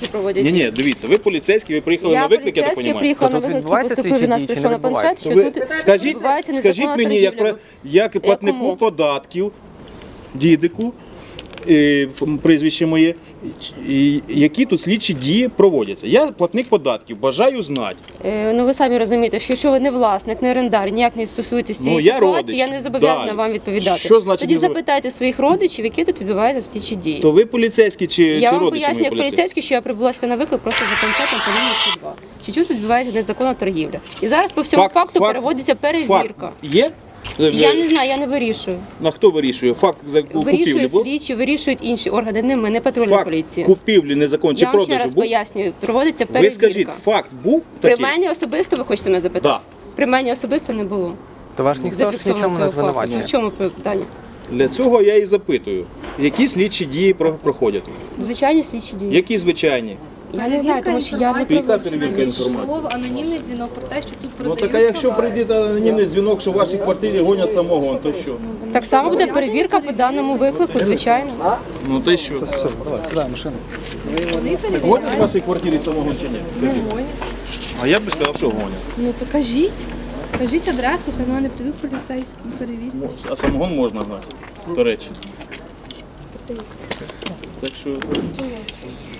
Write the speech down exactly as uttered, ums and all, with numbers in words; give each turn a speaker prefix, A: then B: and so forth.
A: поліцейські проводять.
B: Ні, ні, дивіться, ви поліцейські, ви приїхали
A: Я
B: на виклик, я так
A: поліцейський
B: розумію.
A: приїхав
C: То
A: на
C: тут
A: виклик,
C: відбуваються
A: поступив
C: слідчі
A: до нас,
C: дії чи
A: прийшов
C: не
A: на планшет, що
B: Ви
A: тут
B: скажіть,
A: відбувається
B: скажіть
A: незаконна
B: мені, як,
A: торгівля.
B: про- як платнику
A: Якому?
B: податків, дідику, е, ф- прізвище моє, і які тут слідчі дії проводяться. Я платник податків, бажаю знати.
A: Е, Ну ви самі розумієте, що якщо ви не власник, не орендар, ніяк не стосуєтесь цієї
B: Ну, я
A: ситуації,
B: родич.
A: я не зобов'язана
B: Далі.
A: вам відповідати.
B: Що значить
A: Тоді
B: не зобов-
A: запитайте своїх родичів, які тут відбуваються слідчі дії.
B: То ви поліцейські чи,
A: Я
B: чи
A: вам
B: родичі
A: пояснюю,
B: мої
A: як
B: поліцейські?
A: поліцейський, що я прибула сюди на виклик просто за концертом по лінії сто два. Чи тут відбувається незаконна торгівля? І зараз по всьому
B: Факт-
A: факту
B: факт-
A: переводиться перевірка.
B: Факт є?
A: Я не знаю, я не вирішую.
B: На хто вирішує? Факт за
A: Вирішує
B: купівлі був?
A: слідчі, вирішують інші органи, не ми, не патрульна
B: Факт
A: поліція.
B: купівлі незаконної чи
A: Я вам ще
B: продажу
A: раз
B: був?
A: пояснюю, проводиться
B: Ви
A: перевірка.
B: скажіть, факт був
A: При
B: такий?
A: мені особисто ви хочете мене запитати?
B: Да.
A: При мені особисто не було.
C: То ваш ніхто ж
A: Зафіксовано
C: нічому не
A: цього факту.
C: звинувачує.
A: В чому питання?
B: Для цього я і запитую. Які слідчі дії про- проходять?
A: Звичайні слідчі дії.
B: Які звичайні?
A: Я не знаю, тому що я не
B: Яка
A: проводжу.
B: перевірка інформації?
D: Слово анонімний дзвінок про те, що тут
B: Ну
D: продають
B: так а якщо
D: товари.
B: прийде анонімний дзвінок, що в вашій квартирі гонять самогон, то що?
A: Так само буде перевірка по даному виклику, звичайно.
B: Ну то й що?
C: Давай, сідай в машину.
D: Вони перевіряють.
B: Гонять в вашій квартирі самогон чи ні? Скажіть.
D: Гонять.
B: А я б сказав, що гонять.
D: Ну то кажіть. Кажіть адресу, хай на мене прийдуть поліцейські, перевірять.
B: А самогон можна гнати, до речі. Так що